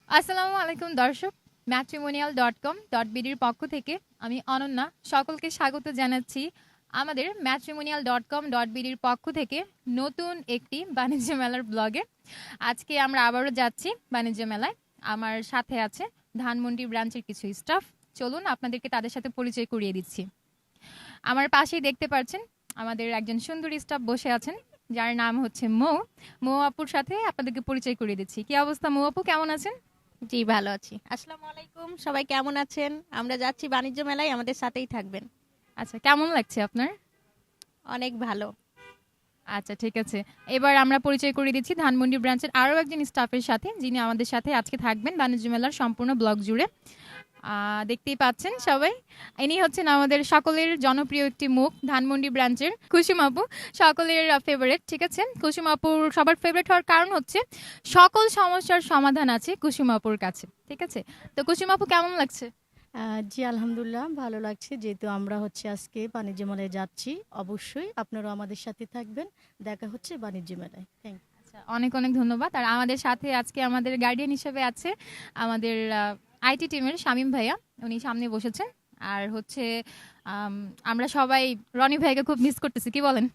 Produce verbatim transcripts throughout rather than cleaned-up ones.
আসসালামু আলাইকুম দর্শক, ম্যাট্রিমোনিয়াল ডট কম ডট বিডির পক্ষ থেকে আমি অনন্যা সকলকে স্বাগত জানাচ্ছি আমাদের ম্যাট্রিমোনিয়াল ডট কম ডট বিডির পক্ষ থেকে নতুন একটি বাণিজ্য মেলার ব্লগে। আজকে আমরা আবারও যাচ্ছি বাণিজ্য মেলায়। আমার সাথে আছে ধানমন্ডি ব্রাঞ্চের কিছু স্টাফ। চলুন আপনাদেরকে তাদের সাথে পরিচয় করিয়ে দিচ্ছি। আমার পাশেই দেখতে পাচ্ছেন আমাদের একজন সুন্দরী স্টাফ বসে আছেন, যার নাম হচ্ছে মৌ। মৌ আপুর সাথে আপনাদেরকে পরিচয় করিয়ে দিচ্ছি। কি অবস্থা মৌ আপু, কেমন আছেন? জি ভালো আছি। আসসালামু আলাইকুম, সবাই কেমন আছেন? আমরা যাচ্ছি বাণিজ্য মেলায়, আমাদের সাথেই থাকবেন। আচ্ছা, কেমন লাগছে আপনার? অনেক ভালো। আচ্ছা ঠিক আছে, এবার আমরা পরিচয় করিয়ে দিচ্ছি ধানমন্ডি ব্রাঞ্চের আরও একজন স্টাফের সাথে, যিনি আমাদের সাথে আজকে থাকবেন বাণিজ্য মেলার সম্পূর্ণ ব্লগ জুড়ে। আহ, দেখতেই পাচ্ছেন সবাই, ইনি হচ্ছেন আমাদের সকলের জনপ্রিয় একটি মুখ, ধানমন্ডি ব্রাঞ্চের কুসুম আপু, সকলের ফেভারিট। ঠিক আছে, কুসুম আপুর সবার ফেভারিট হওয়ার কারণ হচ্ছে সকল সমস্যার সমাধান আছে কুসুম আপুর কাছে। ঠিক আছে, তো কুসুম আপু কেমন লাগছে? আহ, জি আলহামদুলিল্লাহ ভালো লাগছে, যেহেতু আমরা হচ্ছে আজকে বাণিজ্য মেলায় যাচ্ছি। অবশ্যই আপনারাও আমাদের সাথে থাকবেন, দেখা হচ্ছে বাণিজ্য মেলায়। Thank you. আচ্ছা, অনেক অনেক ধন্যবাদ। আর আমাদের সাথে আজকে আমাদের গার্ডিয়ান হিসেবে আছে আমাদের আইটি টিমের শামীম ভাইয়া, উনি সামনে বসেছেন। আর হচ্ছে আম, আমরা সবাই রনি ভাইকে খুব মিস করতেছি, কি বলেন?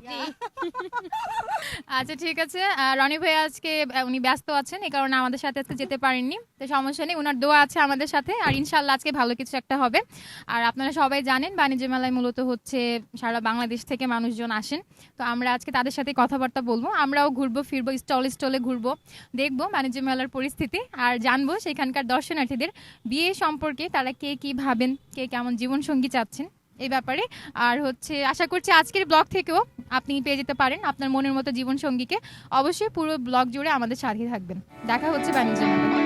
আচ্ছা ঠিক আছে, আহ, রনি ভাই আজকে আহ, উনি ব্যস্ত আছেন, এই কারণে আমাদের সাথে আজকে যেতে পারেননি। তো সমস্যা নেই, ওনার দোয়া আছে আমাদের সাথে, আর ইনশাল্লাহ আজকে ভালো কিছু একটা হবে। আর আপনারা সবাই জানেন বাণিজ্য মেলায় মূলত হচ্ছে সারা বাংলাদেশ থেকে মানুষজন আসেন। তো আমরা আজকে তাদের সাথে কথাবার্তা বলবো, আমরাও ঘুরবো ফিরবো, স্টল স্টলে ঘুরবো, দেখবো বাণিজ্য মেলার পরিস্থিতি, আর জানবো সেখানকার দর্শনার্থীদের বিয়ে সম্পর্কে, তারা কে কি ভাবেন, কে কেমন জীবনসঙ্গী চাচ্ছেন এই ব্যাপারে। আর হচ্ছে আশা করছি আজকের ব্লগ থেকেও আপনি পেয়ে যেতে পারেন আপনার মনের মতো জীবন সঙ্গীকে। অবশ্যই পুরো ব্লগ জুড়ে আমাদের সাথে থাকবেন। দেখা হচ্ছে বাণিজ্য মেলায়।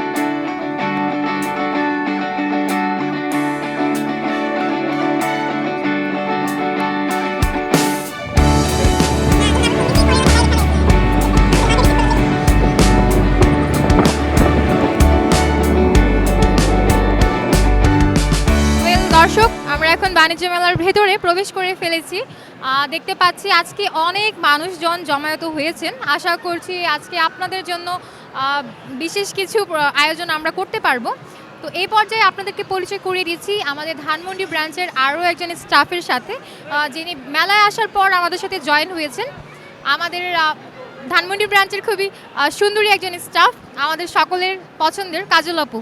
Well, দর্শক, আমরা এখন বাণিজ্য মেলার ভেতরে প্রবেশ করে ফেলেছি। আহ, দেখতে পাচ্ছি আজকে অনেক মানুষজন জমায়েত হয়েছেন। আশা করছি আজকে আপনাদের জন্য আহ, বিশেষ কিছু প্র- আয়োজন আমরা করতে পারবো। তো এই পর্যায়ে আপনাদেরকে পরিচয় করিয়ে দিচ্ছি আমাদের ধানমন্ডি ব্রাঞ্চের আরও একজন স্টাফের সাথে, আহ, যিনি মেলায় আসার পর আমাদের সাথে জয়েন হয়েছেন। আমাদের আহ, ধানমন্ডি ব্রাঞ্চের খুবই আহ, সুন্দরী একজন স্টাফ, আমাদের সকলের পছন্দের কাজল আপু।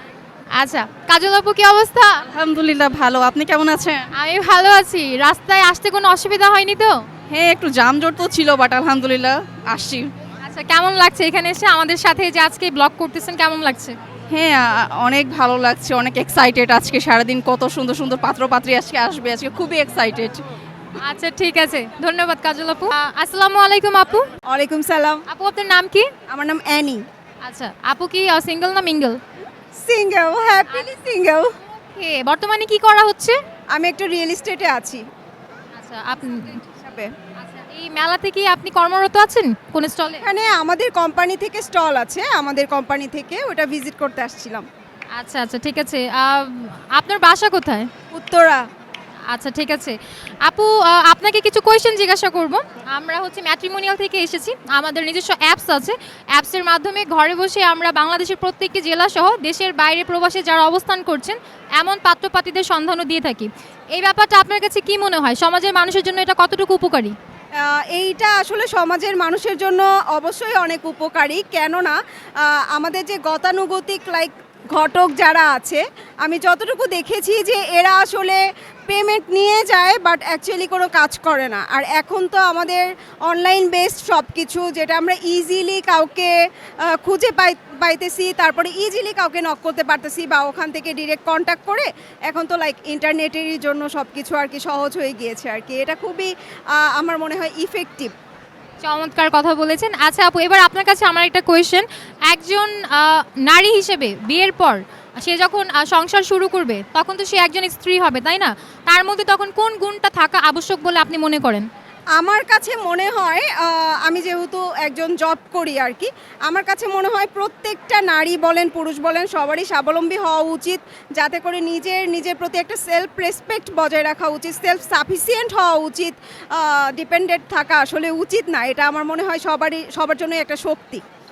আচ্ছা কাজল আপু, কি অবস্থা? আলহামদুলিল্লাহ ভালো। আপনি কেমন আছেন? আমি ভালো আছি। রাস্তায় আসতে কোনো অসুবিধা হয়নি তো? হ্যাঁ, একটু জামজট তো ছিল, বাট আলহামদুলিল্লাহ আসছি। আচ্ছা, কেমন লাগছে এখানে এসে আমাদের সাথে যে আজকে ব্লগ করতেছেন, কেমন লাগছে? হ্যাঁ, আ- অনেক ভালো লাগছে, অনেক এক্সাইটেড। আজকে সারাদিন কত সুন্দর সুন্দর পাত্রপাত্রী আজকে আসবে, আজকে খুবই এক্সাইটেড। আচ্ছা ঠিক আছে, ধন্যবাদ কাজল আপু। আহ, আসসালামু আলাইকুম আপু। ওয়ালাইকুম সালাম। আপু আপনার নাম কি? আমার নাম অ্যানি। আচ্ছা আপু কি সিঙ্গেল না mingle? Single, happily single. Okay, বর্তমানে কি করা হচ্ছে? আমি একটা রিয়েল এস্টেটে আছি আচ্ছা আপনি হিসাবে। আচ্ছা, এই মেলাতে কি আপনি কর্মরত আছেন কোন স্টলে? এখানে আমাদের কোম্পানি থেকে স্টল আছে, আমাদের কোম্পানি থেকে ওটা ভিজিট করতে আসছিলাম। আচ্ছা আচ্ছা ঠিক আছে। আহ, আপনার বাসা কোথায়? উত্তরা। আচ্ছা ঠিক আছে আপু, আহ, আপনাকে কিছু কোয়েশ্চেন জিজ্ঞাসা করব। আমরা হচ্ছে ম্যাট্রিমোনিয়াল থেকে এসেছি, আমাদের নিজস্ব অ্যাপস আছে। অ্যাপসের মাধ্যমে ঘরে বসে আমরা বাংলাদেশের প্রত্যেকটি জেলা সহ দেশের বাইরে প্রবাসে যারা অবস্থান করছেন এমন পাত্রপাত্রীদের সন্ধানও দিয়ে থাকি। এই ব্যাপারটা আপনার কাছে কি মনে হয়, সমাজের মানুষের জন্য এটা কতটুকু উপকারী? আহ, এইটা আসলে সমাজের মানুষের জন্য অবশ্যই অনেক উপকারী, কেননা আহ, আমাদের যে গতানুগতিক লাইক ঘটক যারা আছে, আমি যতটুকু দেখেছি যে এরা আসলে পেমেন্ট নিয়ে যায় বাট অ্যাকচুয়ালি কোনো কাজ করে না। আর এখন তো আমাদের অনলাইন বেসড সব কিছু, যেটা আমরা ইজিলি কাউকে আহ, খুঁজে পাই পাইতেছি, তারপরে ইজিলি কাউকে নক করতে পারতেছি বা ওখান থেকে ডিরেক্ট কন্ট্যাক্ট করে। এখন তো লাইক ইন্টারনেটেরই জন্য সব কিছু আর কি সহজ হয়ে গিয়েছে আর কি। এটা খুবই আহ, আমার মনে হয় ইফেক্টিভ। চমৎকার কথা বলেছেন। আচ্ছা আপু, এবার আপনার কাছে আমার একটা কোয়েশ্চেন। একজন আহ, নারী হিসেবে বিয়ের পর সে যখন আহ, সংসার শুরু করবে তখন তো সে একজন স্ত্রী হবে, তাই না? তার মধ্যে তখন কোন গুণটা থাকা আবশ্যক বলে আপনি মনে করেন? আমার কাছে মনে হয় আহ, আমি যেহেতু একজন জব করি আর কি, আমার কাছে মনে হয় প্রত্যেকটা নারী বলেন পুরুষ বলেন সবারই স্বাবলম্বী হওয়া উচিত, যাতে করে নিজের নিজের প্রতি একটা সেলফ রেসপেক্ট বজায় রাখা উচিত, সেলফ সাফিসিয়েন্ট হওয়া উচিত। ডিপেন্ডেন্ট থাকা আসলে উচিত না, এটা আমার মনে হয় সবারই সবার জন্যই একটা শক্তি।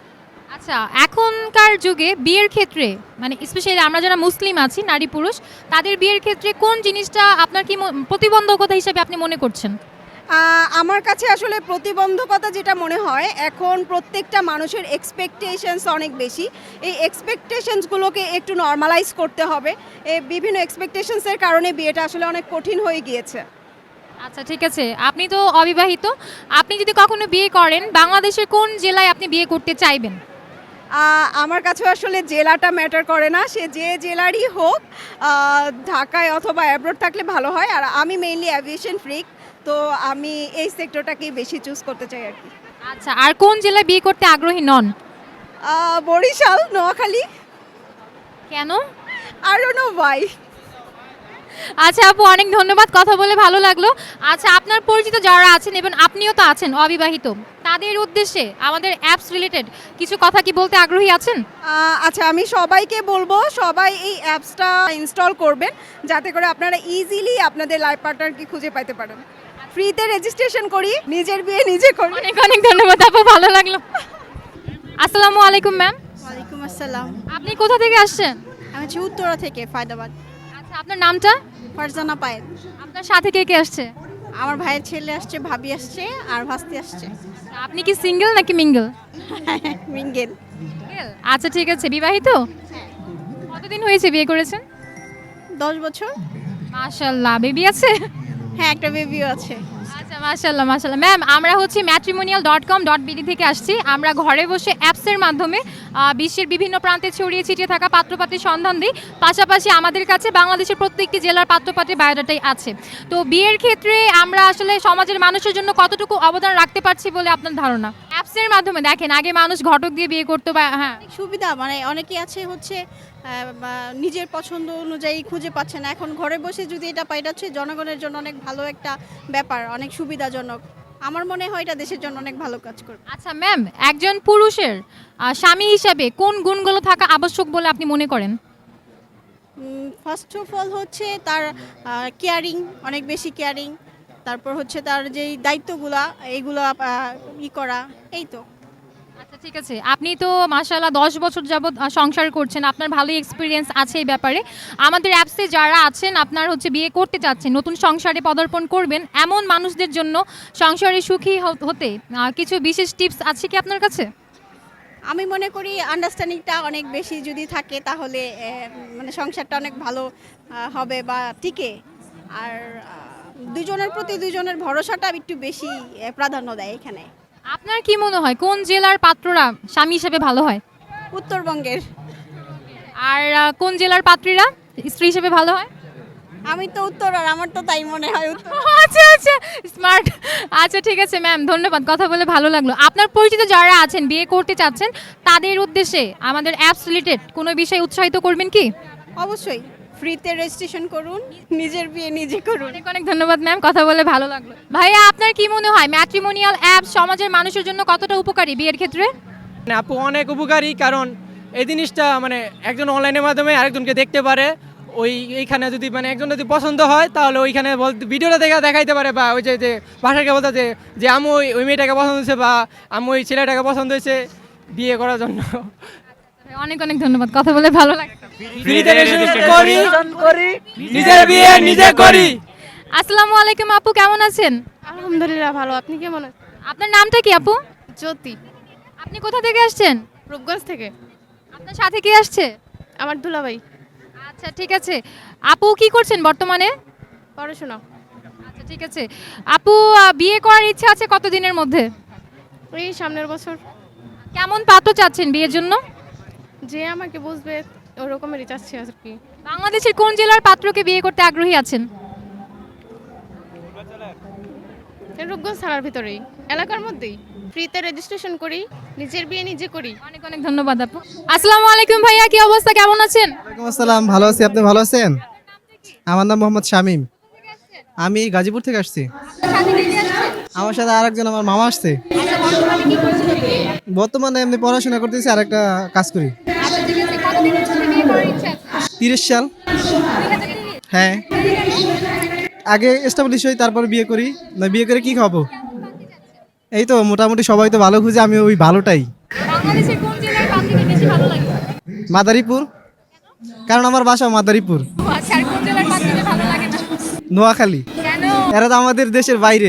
আচ্ছা, এখনকার যুগে বিয়ের ক্ষেত্রে মানে স্পেশালি আমরা যারা মুসলিম আছি নারী পুরুষ তাদের বিয়ের ক্ষেত্রে কোন জিনিসটা আপনার কি ম- প্রতিবন্ধকতা হিসেবে আপনি মনে করছেন? আহ, আমার কাছে আসলে প্রতিবন্ধকতা যেটা মনে হয়, এখন প্রত্যেকটা মানুষের এক্সপেকটেশনস অনেক বেশি। এই এক্সপেকটেশনসগুলোকে একটু নর্মালাইজ করতে হবে। এই বিভিন্ন এক্সপেকটেশনসের কারণে বিয়েটা আসলে অনেক কঠিন হয়ে গিয়েছে। আচ্ছা ঠিক আছে, আপনি তো অবিবাহিত, আপনি যদি কখনো বিয়ে করেন বাংলাদেশের কোন জেলায় আপনি বিয়ে করতে চাইবেন? আহ, আমার কাছে আসলে জেলাটা ম্যাটার করে না, সে যে জেলারই হোক, আহ, ঢাকায় অথবা অ্যাব্রোড থাকলে ভালো হয়। আর আমি মেইনলি অ্যাভিয়েশন ফ্রিক, তো আমি এই সেক্টরটাকেই বেশি চুজ করতে চাই আর কি। আচ্ছা, আর কোন জেলায় বিয়ে করতে আগ্রহী নন? আহ, বরিশাল, নোয়াখালী, কেন? I don't know why. আচ্ছা আপু, অনেক ধন্যবাদ, কথা বলে ভালো লাগলো। আচ্ছা, আপনার পরিচিত যারা আছেন এবং আপনিও তো আছেন অবিবাহিত, তাদের উদ্দেশ্যে আমাদের অ্যাপস রিলেটেড কিছু কথা কি বলতে আগ্রহী আছেন? আহ, আচ্ছা, আমি সবাইকে বলবো সবাই এই অ্যাপসটা ইনস্টল করবেন, যাতে করে আপনারা ইজিলি আপনাদের লাইফ পার্টনারকে খুঁজে পাইতে পারেন। ফ্রিতে রেজিস্ট্রেশন করি, নিজের বিয়ে নিজে করি। অনেক অনেক ধন্যবাদ আপু, ভালো লাগলো। আসসালামু আলাইকুম ম্যাম, ওয়ালাইকুম আসসালাম। আপনি কোথা থেকে আসছেন? আমি হচ্ছে উত্তরা থেকে ফায়দাবাদ। আচ্ছা, আপনার নামটা? ফারজানা পায়েল। আপনার সাথে কে কে আসছে? আমার ভাইয়ের ছেলে আসছে, ভাবি আসছে, আর ভাস্তি আসছে। আপনি কি সিঙ্গেল নাকি মিঙ্গেল? মিঙ্গেল। আচ্ছা ঠিক আছে, বিবাহিত? কতদিন হয়েছে বিয়ে করেছেন? দশ বছর। মাশাআল্লাহ, বেবি আছে? হ্যাঁ, একটা বেবিও আছে। আচ্ছা মাশাআল্লাহ মাশাআল্লাহ। ম্যাম, আমরা হচ্ছে matrimonial dot com dot BD থেকে আসছি। আমরা ঘরে বসে অ্যাপসের মাধ্যমে আহ, বিশ্বের বিভিন্ন প্রান্তে ছড়িয়ে ছিটিয়ে থাকা পাত্রপাত্রীর সন্ধান দিই। পাশাপাশি আমাদের কাছে বাংলাদেশের প্রত্যেকটি জেলার পাত্রপাত্রীর বায়োডাটাই আছে। তো বিয়ের ক্ষেত্রে আমরা আসলে সমাজের মানুষের জন্য কতটুকু অবদান রাখতে পারছি বলে আপনার ধারণা? অ্যাপসের মাধ্যমে দেখেন, আগে মানুষ ঘটক দিয়ে বিয়ে করতো বা হ্যাঁ সুবিধা মানে অনেকে আছে হচ্ছে আহ, বা নিজের পছন্দ অনুযায়ী খুঁজে পাচ্ছে না। এখন ঘরে বসে যদি এটা পাই, এটা হচ্ছে জনগণের জন্য অনেক ভালো একটা ব্যাপার, অনেক সুবিধাজনক। আমার মনে হয় এটা দেশের জন্য অনেক ভালো কাজ করবে। আচ্ছা ম্যাম, একজন পুরুষের আহ, স্বামী হিসাবে কোন গুণগুলো থাকা আবশ্যক বলে আপনি মনে করেন? ফার্স্ট অফ অল হচ্ছে তার কেয়ারিং, অনেক বেশি কেয়ারিং। তারপর হচ্ছে তার যেই দায়িত্বগুলা এইগুলো ই করা, এই তো। আচ্ছা ঠিক আছে, আপনি তো মাশাআল্লাহ দশ বছর যাবৎ আহ, সংসার করছেন, আপনার ভালোই এক্সপিরিয়েন্স আছে এই ব্যাপারে। আমাদের অ্যাপসে যারা আছেন, আপনার হচ্ছে বিয়ে করতে চাচ্ছেন, নতুন সংসারে পদার্পণ করবেন, এমন মানুষদের জন্য সংসারে সুখী হ- হতে আহ, কিছু বিশেষ টিপস আছে কি আপনার কাছে? আমি মনে করি আন্ডারস্ট্যান্ডিংটা অনেক বেশি যদি থাকে, তাহলে আহ, মানে সংসারটা অনেক ভালো আহ, হবে বা টিকে। আর আহ, দুজনের প্রতি দুজনের ভরসাটা একটু বেশি আহ, প্রাধান্য দেয় এখানে। আপনার কি মনে হয় কোন জেলার পাত্ররা স্বামী হিসেবে ভালো হয়? উত্তরবঙ্গের। আর আহ, কোন জেলার পাত্রীরা স্ত্রী হিসেবে ভালো হয়? আমি তো উত্তর, আর আমার তো তাই মনে হয় উত্তর। আচ্ছা আচ্ছা, স্মার্ট। আচ্ছা ঠিক আছে ম্যাম, ধন্যবাদ, কথা বলে ভালো লাগলো। আপনার পরিচিত যারা আছেন বিয়ে করতে চাচ্ছেন, তাদের উদ্দেশ্যে আমাদের অ্যাপস রিলেটেড কোনো বিষয়ে উৎসাহিত করবেন কি? অবশ্যই ফ্রিতে রেজিস্ট্রেশন করুন, নিজের বিয়ে নিজে করুন। অনেক অনেক ধন্যবাদ ম্যাম, কথা বলে ভালো লাগলো। ভাইয়া, আপনার কি মনে হয় ম্যাট্রিমোনিয়াল অ্যাপ সমাজের মানুষের জন্য কতটা উপকারী বিয়ের ক্ষেত্রে? মানে আপু অনেক উপকারী, কারণ এই জিনিসটা মানে একজন অনলাইনের মাধ্যমে আরেকজনকে দেখতে পারে। ওই এইখানে যদি মানে একজন যদি পছন্দ হয়, তাহলে ওইখানে বলতে ভিডিওটা দেখে দেখাইতে পারে, বা ওই যে যে ভাষাকে বলতে যে যে আমি ওই ওই মেয়েটাকে পছন্দ হয়েছে, বা আমি ওই ছেলেটাকে পছন্দ হয়েছে বিয়ে করার জন্য। অনেক অনেক ধন্যবাদ, কথা বলে ভালো লাগলো। ফ্রিতে রেজিস্ট্রেশন করি, নিজের বিয়ে নিজে করি। আসসালামু আলাইকুম আপু, কেমন আছেন? আলহামদুলিল্লাহ ভালো। আপনি কেমন আছেন? আপনার নামটা কি আপু? জ্যোতি, আপনি কোথা থেকে আসছেন? রূপগঞ্জ থেকে। আপনার সাথে কে আসছে? আমার দুলাভাই। আচ্ছা ঠিক আছে, আপু কি করছেন বর্তমানে? পড়াশোনা। আচ্ছা ঠিক আছে, আপু আহ, বিয়ে করার ইচ্ছা আছে কতদিনের মধ্যে? ওই সামনের বছর। কেমন পাত্র চাচ্ছেন বিয়ের জন্য? যে আমাকে বুঝবে ওরকমেরই চাচ্ছি আর কি। বাংলাদেশের কোন জেলার পাত্রকে বিয়ে করতে আগ্রহী আছেন? রূপগঞ্জ থানার ভিতরেই, এলাকার মধ্যেই। ফ্রিতে রেজিস্ট্রেশন করি, নিজের বিয়ে নিজে করি। অনেক অনেক ধন্যবাদ আপু। আসসালামু আলাইকুম ভাইয়া, কি অবস্থা, কেমন আছেন? ওয়ালাইকুম আসসালাম, ভালো আছি। আপনি ভালো আছেন? আমার নাম মোহাম্মদ শামীম, আমি গাজীপুর থেকে আসছি। আমার সাথে আরেকজন আমার মামা আসছে। বর্তমানে এমনি পড়াশোনা করতেছি আর একটা কাজ করি। তিরিশ সাল। হ্যাঁ, আগে এস্টাবলিশ হই, তারপর বিয়ে করি। না বিয়ে করে কি খাবো? এই তো মোটামুটি সবাই তো ভালো খুঁজে, আমি ওই ভালোটাই। বাংলাদেশের কোন জেলার ভালো লাগে? মাদারীপুর, কারণ আমার বাসা মাদারীপুর। ও আচ্ছা, আর কোন জেলার পাত্রীদের ভালো লাগে না? নোয়াখালী, কেন? এরা তো আমাদের দেশের বাইরে।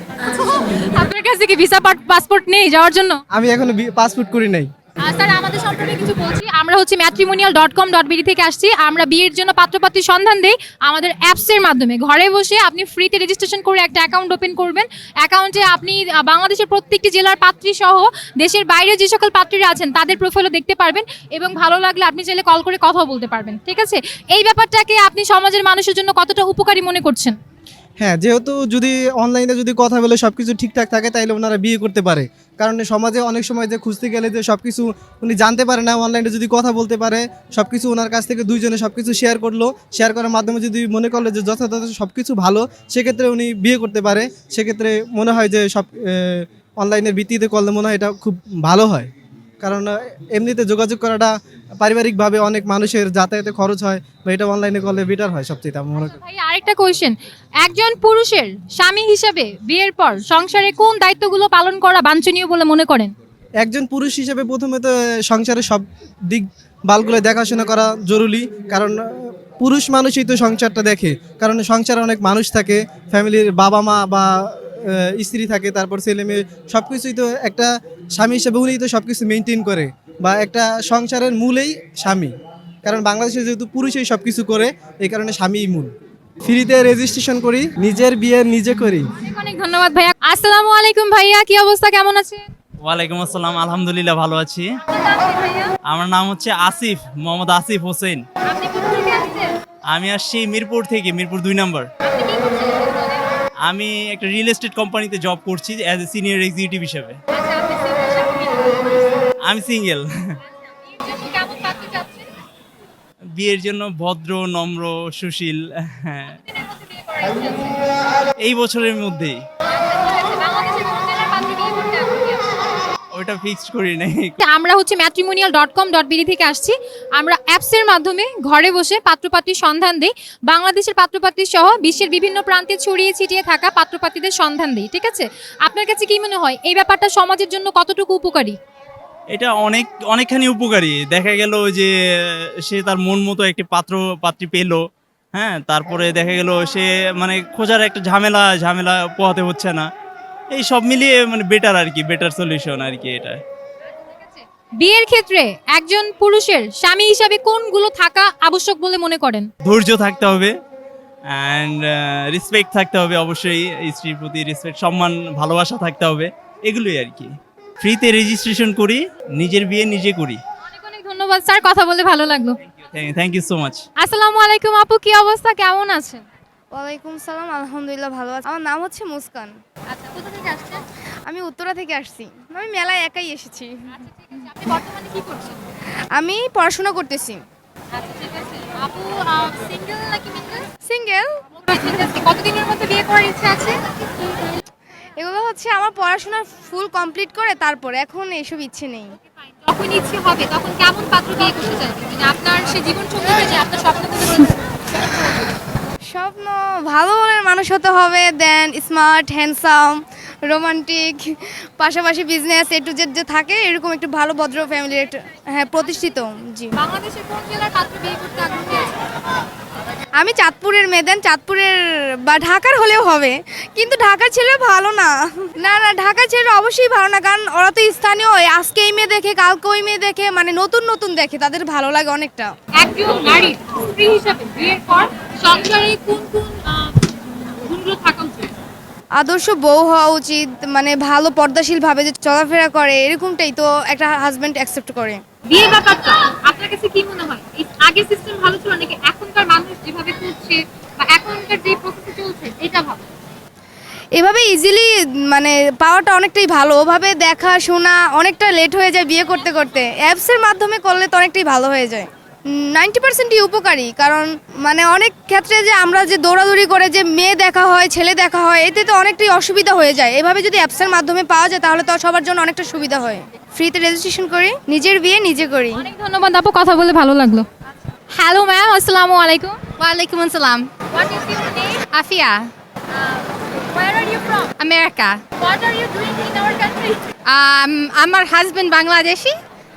আপনার কাছে কি ভিসা পাসপোর্ট নেই যাওয়ার জন্য? আমি এখনো পাসপোর্ট করি নাই। আর স্যার আমাদের সম্পর্কে কিছু বলছি। আমরা হচ্ছে matrimonial dot com dot BD থেকে আসছি। আমরা বিয়ের জন্য পাত্রপাত্রীর সন্ধান দেই আমাদের অ্যাপসের মাধ্যমে। ঘরে বসে আপনি ফ্রিতে রেজিস্ট্রেশন করে একটা অ্যাকাউন্ট ওপেন করবেন। অ্যাকাউন্টে আপনি আহ, বাংলাদেশের প্রত্যেকটি জেলার পাত্রী সহ দেশের বাইরে যে সকল পাত্রীরা আছেন তাদের প্রোফাইলও দেখতে পারবেন এবং ভালো লাগলে আপনি চাইলে কল করে কথাও বলতে পারবেন। ঠিক আছে, এই ব্যাপারটাকে আপনি সমাজের মানুষের জন্য কতটা উপকারী মনে করছেন? হ্যাঁ, যেহেতু যদি অনলাইনে যদি কথা বলে সব কিছু ঠিকঠাক থাকে তাইলে ওনারা বিয়ে করতে পারে। কারণ সমাজে অনেক সময় যে খুঁজতে গেলে যে সব কিছু উনি জানতে পারে না, অনলাইনে যদি কথা বলতে পারে সব কিছু ওনার কাছ থেকে দুইজনে সব কিছু শেয়ার করলো, শেয়ার করার মাধ্যমে যদি মনে করলো যে যথাযথ সব কিছু ভালো, সেক্ষেত্রে উনি বিয়ে করতে পারে। সেক্ষেত্রে মনে হয় যে সব অনলাইনের ভিত্তিতে করলে মনে হয় এটা খুব ভালো হয়। কারণ আহ, এমনিতে যোগাযোগ করাটা পারিবারিকভাবে অনেক মানুষের যাতায়াতে খরচ হয়, বা এটা অনলাইনে করলে বেটার হয় সবচেয়ে আমি মনে করি। ভাই আরেকটা কোয়েশ্চেন, একজন পুরুষের স্বামী হিসেবে বিয়ের পর সংসারে কোন দায়িত্বগুলো পালন করা বাঞ্ছনীয় বলে মনে করেন? একজন পুরুষ হিসেবে প্রথমে তো সংসারের সব দিক বালগুলো দেখাশোনা করা জরুরি। কারণ আহ, পুরুষ মানুষই তো সংসারটা দেখে। কারণ সংসারে অনেক মানুষ থাকে, ফ্যামিলির বাবা মা বা আহ, স্ত্রী থাকে, তারপর ছেলে মেয়ে সব কিছুই তো একটা স্বামী হিসেবে উনিই তো সব কিছু মেনটেন করে, বা একটা সংসারের মূলেই স্বামী। কারণ বাংলাদেশে যেহেতু পুরুষই সব কিছু করে, এই কারণে স্বামীই মূল। ফ্রিতে রেজিস্ট্রেশন করি, নিজের বিয়ে নিজে করি। অনেক অনেক ধন্যবাদ ভাইয়া। আসসালামু আলাইকুম ভাইয়া, কি অবস্থা, কেমন আছেন? ওয়ালাইকুম আসসালাম, আলহামদুলিল্লাহ ভালো আছি। আমার নাম হচ্ছে আসিফ, মোহাম্মদ আসিফ হোসেন। আপনি কোথা থেকে আসছেন? আমি আসছি মিরপুর থেকে, মিরপুর দুই নম্বর। আপনি কি করছেন? আমি একটা রিয়েল এস্টেট কোম্পানিতে জব করছি অ্যাজ এ সিনিয়র এক্সিকিউটিভ হিসেবে। আচ্ছা, আপনি সিঙ্গেল সাথে কি করছেন? আমি সিঙ্গেল। বিয়ের জন্য কেমন পাত্র চাচ্ছেন? বিয়ের জন্য ভদ্র, নম্র, সুশীল, হ্যাঁ, দিনের মধ্যে বিয়ে করার ইচ্ছা আছে? এই বছরের মধ্যেই। আচ্ছা, বাংলাদেশের কোন জেলার পাত্র বিয়ে করতে আগ্রহী আছেন? ওইটা ফিক্সড করি নাই। আমরা হচ্ছে matrimonial dot com dot BD থেকে আসছি। আমরা অ্যাপসের মাধ্যমে ঘরে বসে পাত্রপাত্রীর সন্ধান দিই। বাংলাদেশের পাত্রপাত্রী সহ বিশ্বের বিভিন্ন প্রান্তে ছড়িয়ে ছিটিয়ে থাকা পাত্রপাত্রীদের সন্ধান দিই। ঠিক আছে, আপনার কাছে কি মনে হয় এই ব্যাপারটা সমাজের জন্য কতটুকু উপকারী? এটা অনেক অনেকখানি উপকারী। দেখা গেল যে সে তার মন মতো একটি পাত্র পাত্রী পেলো, হ্যাঁ, তারপরে দেখা গেল সে মানে খোঁজার একটা ঝামেলা ঝামেলা পোহাতে হচ্ছে না। এই সব মিলিয়ে মানে বেটার আর কি, বেটার সলিউশন আর কি এটা। বিয়ের ক্ষেত্রে একজন পুরুষের স্বামী হিসাবে কোনগুলো থাকা আবশ্যক বলে মনে করেন? ধৈর্য থাকতে হবে অ্যান্ড রেসপেক্ট থাকতে হবে, অবশ্যই স্ত্রীর প্রতি রেসপেক্ট, সম্মান, ভালোবাসা থাকতে হবে, এগুলোই আর কি। ফ্রিতে রেজিস্ট্রেশন করি, নিজের বিয়ে নিজে করি। অনেক অনেক ধন্যবাদ স্যার, কথা বলে ভালো লাগলো। Thank you so much. আসসালামু আলাইকুম আপু, কি অবস্থা, কেমন আছেন? ওয়ালাইকুম সালাম, আলহামদুলিল্লাহ ভালো আছি। আমার নাম হচ্ছে মুস্কান। আচ্ছা, কোথা থেকে আসছেন? আমি উত্তরা থেকে আসছি। আমি মেলায় একাই এসেছি। আচ্ছা, ঠিক আছে। আপনি বর্তমানে কি করছেন? আমি পড়াশোনা করতেছি। আচ্ছা, ঠিক আছে। আপু সিঙ্গেল নাকি মিঙ্গেল? সিঙ্গেল। ঠিক আছে। কতদিনের মধ্যে বিয়ে করার ইচ্ছা আছে? এগুলো হচ্ছে আমার পড়াশোনা ফুল কমপ্লিট করে তারপরে, এখন এসব ইচ্ছে নেই। যখন ইচ্ছে হবে তখন কেমন পাত্র বিয়ে করতে চাইবেন? মানে আপনার সেই জীবন সঙ্গী যে আপনার স্বপ্নগুলো রয়েছে। স্বপ্ন ভালো মনের মানুষ হতে হবে, দেন স্মার্ট, হ্যান্ডসাম, রোমান্টিক, পাশাপাশি বিজনেস এ টু জেড যে থাকে এরকম একটু ভালো ভদ্র ফ্যামিলির একটা, হ্যাঁ, প্রতিষ্ঠিত। জি। বাংলাদেশের কোন জেলার পাত্র বিয়ে করতে আগ্রহী আছেন? আমি চাঁদপুরের মেয়ে, দেন চাঁদপুরের বা ঢাকার হলেও হবে, কিন্তু ঢাকার ছেলে ভালো না। না না, ঢাকার ছেলে অবশ্যই ভালো না, কারণ ওরা তো স্থানীয়, আজকে এই মেয়ে দেখে কালকে ওই মেয়ে দেখে, মানে নতুন নতুন দেখে, তাদের ভালো লাগে অনেকটা। একজন নারী স্ত্রী হিসাবে বিয়ের পর সংসারে কোন কোন আহ, গুণগুলো থাকা উচিত? আদর্শ বউ হওয়া উচিত, মানে ভালো পর্দাশীল ভাবে যে চলাফেরা করে, এরকমটাই তো একটা হাজবেন্ড অ্যাকসেপ্ট করে। বিয়ে ব্যাপারটা আপনার কাছে কি মনে হয়, এই আগের সিস্টেম ভালো ছিল নাকি এখনকার মানুষ যেভাবে করছে বা এখনকার যে প্রসেস চলছে এটা ভালো? এভাবে ইজিলি মানে পাওয়াটা অনেকটাই ভালো, ওভাবে দেখা শোনা অনেকটা লেট হয়ে যায় বিয়ে করতে করতে। অ্যাপসের মাধ্যমে করলে তো অনেকটাই ভালো হয়ে যায়। নাইনটি পার্সেন্টই উপকারী, কারণ মানে অনেক ক্ষেত্রে যে আমরা যে দৌড়াদৌড়ি করে যে মেয়ে দেখা হয়, ছেলে দেখা হয়, এতে তো অনেকটাই অসুবিধা হয়ে যায়। এভাবে যদি অ্যাপসের মাধ্যমে পাওয়া যায় তাহলে তো সবার জন্য অনেকটা সুবিধা হয়। ফ্রিতে রেজিস্ট্রেশন করি, নিজের বিয়ে নিজে করি। অনেক ধন্যবাদ আপু, কথা বলে ভালো লাগলো। হ্যালো ম্যাম, আসসালামু আলাইকুম। ওয়ালাইকুম আসসালাম। What is your name? Afia, Where are you from? America. What are you doing in our country? Um, আমার হাজবেন্ড বাংলাদেশি,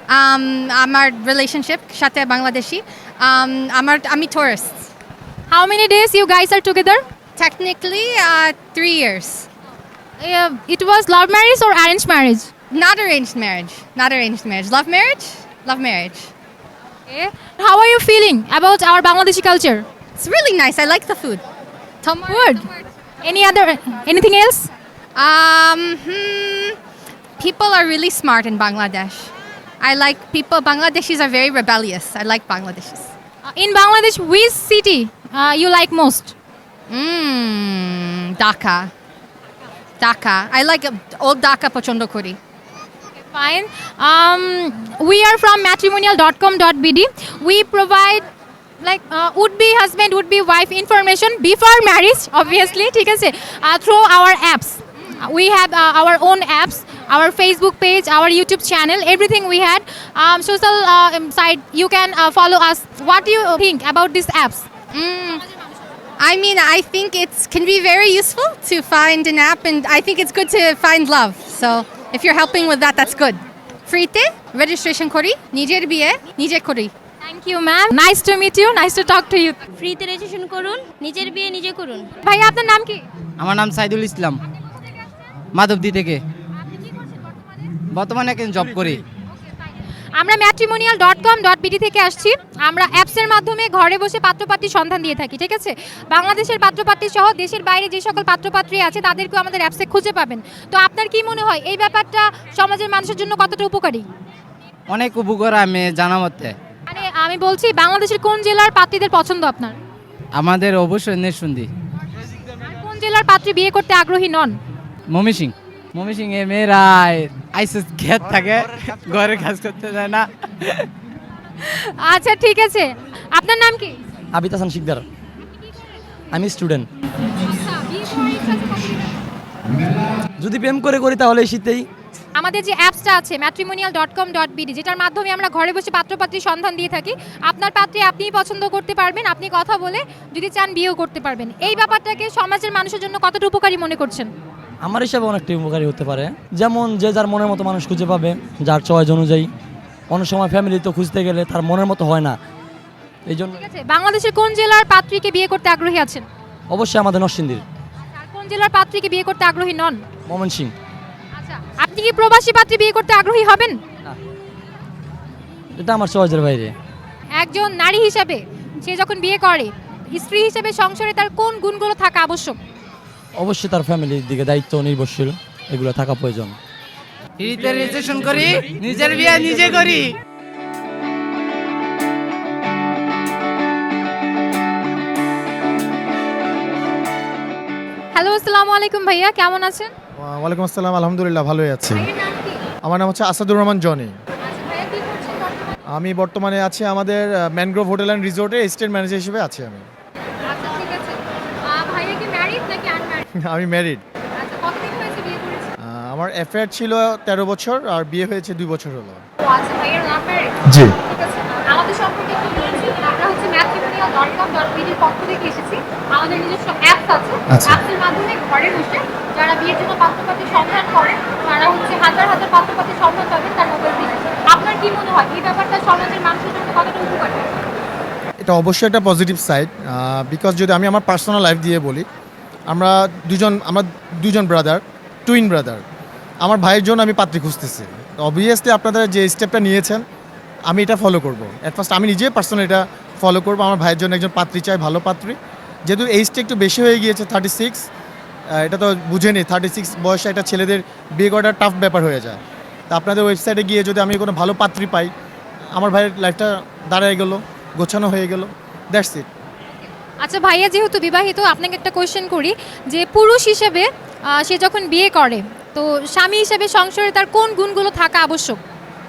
um, আমার রিলেশনশিপ সাথে বাংলাদেশি um, আমার আমি tourist. How many days you guys are together? Technically uh, three years. Uh, it was love marriage or arranged marriage? Not arranged marriage. Not arranged marriage. Love marriage? Love marriage. Okay. How are you feeling about our Bangladeshi culture? It's really nice. I like the food. Tomar- Good. Any other, anything else? Um, hmm, people are really smart in Bangladesh. I like people. Bangladeshis are very rebellious. I like Bangladeshis. Uh, in Bangladesh, which city uh, you like most? Mmm, Dhaka. Dhaka. I like uh, old Dhaka Pochondo Kori. Fine. Um, we are from matrimonial dot com dot b d. We provide like uh, would-be husband, would-be wife information before marriage, obviously, ঠিক আছে, uh, through our apps. Uh, We have uh, our own apps, our Facebook page, our YouTube channel, everything we had. Um, social uh, um, site, you can uh, follow us. What do you think about these apps? Mm. I mean, I think it can be very useful to find an app, and I think it's good to find love. So if you're helping with that, that's good. Free te registration kori, nijer biye, nije kori. Thank you, ma'am. Nice to meet you. Nice to talk to you. ফ্রিতে registration করুন, নিজের বিয়ে নিজে করুন। ভাইয়া, আপনার নাম কি? আমার নাম সাইদুল ইসলাম, মাধবদী থেকে। বর্তমানে একজন জব করি। আমরা matrimonial dot com dot BD থেকে আসছি। আমরা অ্যাপসের মাধ্যমে ঘরে বসে পাত্রপাত্রীর সন্ধান দিয়ে থাকি, ঠিক আছে? বাংলাদেশের পাত্রপাত্রী সহ দেশের বাইরে যে সকল পাত্রপাত্রী আছে তাদেরকেও আমাদের অ্যাপসে খুঁজে পাবেন। তো আপনার কি মনে হয় এই ব্যাপারটা সমাজের মানুষের জন্য কতটা উপকারী? অনেক উপকার আমি জানা মতে। মানে আমি বলছি বাংলাদেশের কোন জেলার পাত্রীদের পছন্দ আপনার? আমাদের অবশ্যই নেশুন্দি। কোন জেলার পাত্রী বিয়ে করতে আগ্রহী নন? মমিসিং। মমিসিং এ মেয়েরা আইসিস খেত থাকে, ঘরে কাজ করতে যায় না। আচ্ছা, ঠিক আছে। আপনার নাম কি? আবিদ হাসান শিকদার। আমি স্টুডেন্ট। যদি প্রেম করে করি তাহলে শীতেই। আমাদের যে অ্যাপসটা আছে matrimonial dot com dot BD, যেটার মাধ্যমে আমরা ঘরে বসে পাত্রপাত্রীর সন্ধান দিয়ে থাকি। আপনার পাত্রী আপনিই পছন্দ করতে পারবেন, আপনি কথা বলে যদি চান বিয়েও করতে পারবেন। এই ব্যাপারটাকে সমাজের মানুষের জন্য কতটা উপকারী মনে করছেন? আমার হিসাবে অনেকটা উপকারী হতে পারে। যেমন যে যার মনের মতো মানুষ খুঁজে পাবে, যার চয়েস অনুযায়ী। অনেক সময় ফ্যামিলি তো খুঁজতে গেলে তার মনের মতো হয় না, এই জন্য। ঠিক আছে। বাংলাদেশের কোন জেলার পাত্রীকে বিয়ে করতে আগ্রহী আছেন? অবশ্যই আমাদের নরসিংদীর। আর কোন জেলার পাত্রীকে বিয়ে করতে আগ্রহী নন? ময়মনসিং। আচ্ছা, আপনি কি প্রবাসী পাত্রী বিয়ে করতে আগ্রহী হবেন? এটা আমার চয়েসের বাইরে। একজন নারী হিসাবে সে যখন বিয়ে করে, স্ত্রী হিসেবে সংসারে তার কোন গুণগুলো থাকা আবশ্যক? অবশ্যই তার ফ্যামিলির দিকে দায়িত্ব নির্ভরশীল, এগুলো থাকা প্রয়োজন। ফ্রিতে রেজিস্ট্রেশন করি, নিজের বিয়ে নিজে করি। হ্যালো, আসসালামু আলাইকুম ভাইয়া, কেমন আছেন? ওয়ালাইকুম আসসালাম, আলহামদুলিল্লাহ ভালোই আছি। ভাইয়ের নাম কি? আমার নাম হচ্ছে আসাদুর রহমান জনি। আচ্ছা ভাইয়া, কি করছেন বর্তমানে? আমি বর্তমানে আছি আমাদের ম্যানগ্রোভ হোটেল অ্যান্ড রিসোর্টে স্টেট ম্যানেজার হিসেবে আছি আমি। আচ্ছা, ঠিক আছে। আহ, ভাইয়া কি ম্যারিড নাকি আনম্যারিড? আমি ম্যারিড। আচ্ছা, কতদিন হয়েছে বিয়ে করেছেন? আমার অ্যাফেয়ার ছিল তেরো বছর আর বিয়ে হয়েছে দুই বছর হলো। ও আচ্ছা, ভাইয়ার লাভ ম্যারিড? জি। ঠিক আছে। আমাদের সম্পর্কে একটু বলছি। আমরা হচ্ছে ম্যাট্রিমোনিয়াল ডট কম ডট বিডির পক্ষ থেকে এসেছি। আমাদের নিজস্ব অ্যাপস আছে। আচ্ছা। অ্যাপসের মাধ্যমে ঘরে বসে যারা বিয়ের জন্য পাত্রপাত্রীর সন্ধান করে তারা হচ্ছে হাজার হাজার পাত্রপাত্রীর সন্ধান পাবেন তার মোবাইল থেকে। আপনার কি মনে হয় এই ব্যাপারটা সমাজের মানুষের জন্য কতটা উপকারী? এটা অবশ্যই একটা পজিটিভ সাইড, বিকজ যদি আমি আমার পার্সোনাল লাইফ দিয়ে বলি, আমরা দুজন আমরা দুজন ব্রাদার, টুইন ব্রাদার। আমার ভাইয়ের জন্য আমি পাত্রী খুঁজতেছি। অবভিয়াসলি আপনারা যে স্টেপটা নিয়েছেন আমি এটা ফলো করব। অ্যাট ফার্স্ট আমি নিজে পার্সোনাল এটা ফলো করবো। আমার ভাইয়ের জন্য একজন পাত্রী চাই, ভালো পাত্রী। যেহেতু এইজটা একটু বেশি হয়ে গিয়েছে, থার্টি সিক্স, এটা তো বুঝে নেই, থার্টি সিক্স বয়সে একটা ছেলেদের বিয়ে করাটা টাফ ব্যাপার হয়ে যায়। তা আপনাদের ওয়েবসাইটে গিয়ে যদি আমি কোনো ভালো পাত্রী পাই, আমার ভাইয়ের লাইফটা দাঁড়ায় গেল, গোছানো হয়ে গেল, দ্যাটস ইট। আচ্ছা ভাইয়া, যেহেতু বিবাহিত, আপনাকে একটা কোয়েশ্চেন করি যে পুরুষ হিসেবে আহ, সে যখন বিয়ে করে তো স্বামী হিসেবে সংসারে তার কোন গুণগুলো থাকা আবশ্যক?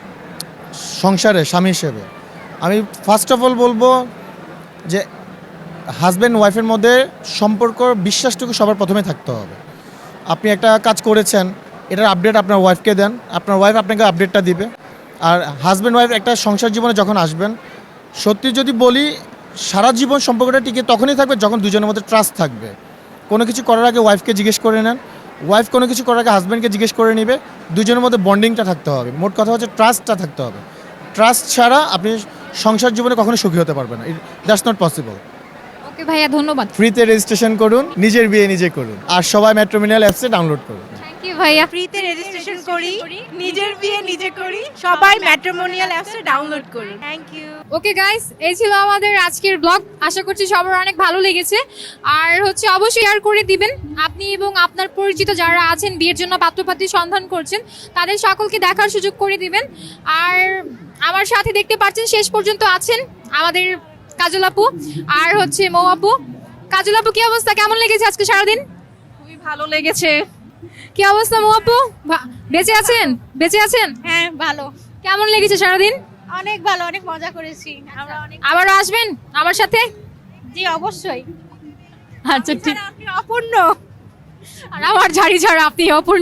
সংসারে স্বামী হিসেবে আমি ফার্স্ট অফ অল বলবো যে হাজব্যান্ড ওয়াইফের মধ্যে সম্পর্ক, বিশ্বাসটুকু সবার প্রথমে থাকতে হবে। আপনি একটা কাজ করেছেন, এটার আপডেট আপনার ওয়াইফকে দেন, আপনার ওয়াইফ আপনাকে আপডেটটা দিবে। আর হাজব্যান্ড ওয়াইফ একটা সংসার জীবনে যখন আসবেন, সত্যি যদি বলি সারা জীবন সম্পর্কটা টিকে তখনই থাকবে যখন দুজনের মধ্যে ট্রাস্ট থাকবে। কোনো কিছু করার আগে ওয়াইফকে জিজ্ঞেস করে নেন, ওয়াইফ কোনো কিছু করার আগে হাজব্যান্ডকে জিজ্ঞেস করে নেবে, দুজনের মধ্যে বন্ডিংটা থাকতে হবে। মোট কথা হচ্ছে ট্রাস্টটা থাকতে হবে। ট্রাস্ট ছাড়া আপনি সংসার জীবনে কখনো সুখী হতে পারবেন না, দ্যাটস নট পসিবল। ওকে ভাইয়া, ধন্যবাদ। ফ্রিতে রেজিস্ট্রেশন করুন, নিজের বিয়ে নিজে করুন, আর সবাই ম্যাট্রিমোনিয়াল অ্যাপসে ডাউনলোড করুন। থ্যাংক ইউ ভাইয়া। ফ্রিতে রেজিস্ট্রেশন করি, নিজের বিয়ে নিজে করি, সবাই ম্যাট্রিমোনিয়াল অ্যাপসে ডাউনলোড করুন। Thank you. ওকে গাইস, এই ছিল আমাদের আজকের ব্লগ। আশা করছি সবার অনেক ভালো লেগেছে। আর হচ্ছে অবশ্যই শেয়ার করে দিবেন। আপনি এবং আপনার পরিচিত যারা আছেন বিয়ের জন্য পাত্রপাত্রী সন্ধান করছেন, তাদের সকলকে দেখার সুযোগ করে দিবেন। আর আমার সাথে দেখতে পাচ্ছেন শেষ পর্যন্ত আছেন আমাদের কাজল আপু আর হচ্ছে মৌ আপু। কাজল আপু, কি অবস্থা? কেমন লেগেছে আজকে সারাদিন? খুবই ভালো লেগেছে। কি অবস্থা মৌ আপু? ভা- বেঁচে আছেন? বেঁচে আছেন? হ্যাঁ, ভালো, কেমন লেগেছে সারাদিন? অনেক ভালো, অনেক মজা করেছি আমরা অনেক। আবারও আসবেন আমার সাথে? জি অবশ্যই। আচ্ছা ঠিক। আপনি অপূর্ণ। আর আমার ঝাড়ি ছাড়া আপনি অপূর্ণ।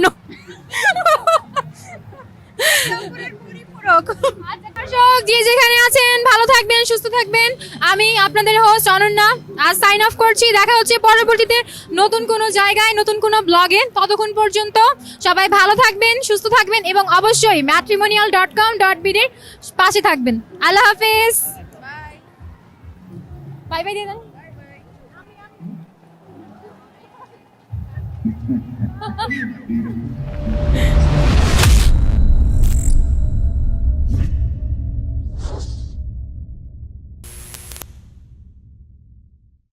আচ্ছা, দর্শক যে যেখানে আছেন ভালো থাকবেন, সুস্থ থাকবেন। আমি আপনাদের হোস্ট অনন্যা আজ সাইন অফ করছি। দেখা হচ্ছে পরবর্তীতে নতুন কোনো জায়গায়, নতুন কোনো ব্লগে। ততক্ষণ পর্যন্ত সবাই ভালো থাকবেন, সুস্থ থাকবেন এবং অবশ্যই ম্যাট্রিমোনিয়াল ডট কম ডট বিডির পাশে থাকবেন। আল্লাহ হাফেজ। বাই বাই দিয়ে দেন।